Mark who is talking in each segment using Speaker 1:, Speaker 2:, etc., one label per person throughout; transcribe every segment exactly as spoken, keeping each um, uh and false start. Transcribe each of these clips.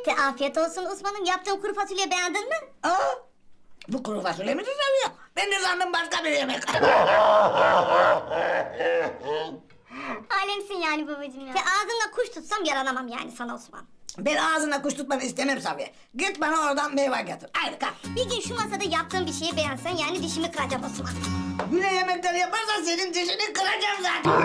Speaker 1: Te afiyet olsun Osman'ım. Yaptığım kuru fasulye beğendin mi?
Speaker 2: Aa, bu kuru fasulye mi düzeliyor? Ben de sandım başka bir yemek.
Speaker 1: Alemsin yani babacığım ya. Te ağzımla kuş tutsam yaranamam yani sana Osman.
Speaker 2: Ben ağzına kuş tutmanı istemem Safiye. Git bana oradan meyve getir. Haydi kalk.
Speaker 1: Bir gün şu masada yaptığım bir şeyi beğensen yani dişimi kıracağım Osman.
Speaker 2: Güne yemekleri yaparsan senin dişini kıracağım zaten.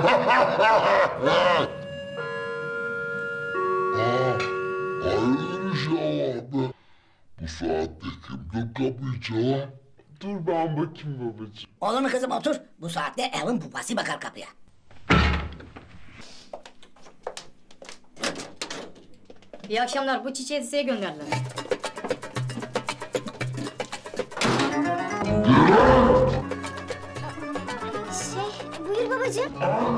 Speaker 3: Hayırdır inşallah be. Bu saatte kim kapıyı çalar?
Speaker 4: Dur ben bakayım babacığım.
Speaker 2: Olur mu kızım otur. Bu saatte evin babası bakar kapıya.
Speaker 5: İyi akşamlar. Bu çiçeği size gönderdiler.
Speaker 1: Şey buyur babacığım.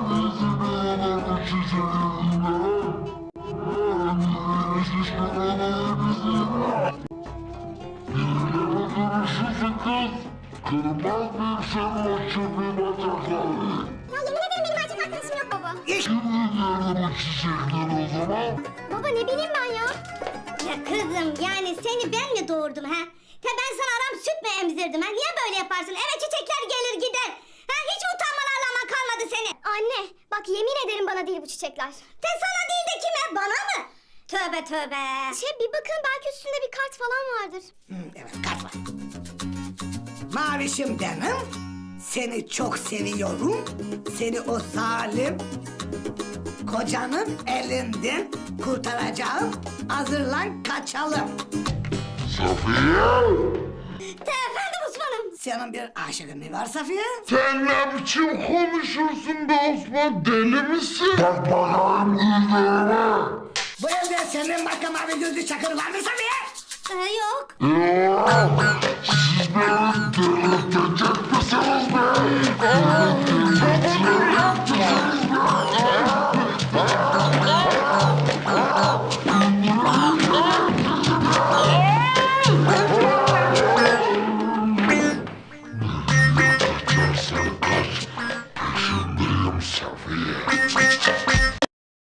Speaker 3: Kırmaz mıyım senin o çöpün bacaklarını?
Speaker 1: Ya yemin ederim benim erkek arkadaşım yok baba.
Speaker 2: İş.
Speaker 3: Kim gönderdi bu çiçekleri o zaman?
Speaker 1: Baba ne bileyim ben ya. Ya kızım yani seni ben mi doğurdum ha? Te ben sana aram süt mü emzirdim ha? Niye böyle yaparsın? Eve çiçekler gelir gider. Ha hiç utanman arlaman kalmadı seni. Anne bak yemin ederim bana değil bu çiçekler. Te sana değil de kime? Bana mı? Tövbe tövbe. Şey bir bakın belki üstünde bir kart falan vardır.
Speaker 2: Hı, evet kart var. Mavişim benim. Seni çok seviyorum. Seni o zalim kocanın elinden kurtaracağım. Hazırlan kaçalım.
Speaker 3: Safiye!
Speaker 1: Te efendim Osman'ım.
Speaker 2: Senin bir aşığın mı var Safiye?
Speaker 3: Sen ne biçim konuşursun be Osman? Deli misin? Bak bakayım gözlerime.
Speaker 2: Bu evde senin başka mavi gözlü çakır var mı Safiye?
Speaker 1: Ee, yok.
Speaker 3: Yok! Siz beni delirtecek misiniz be?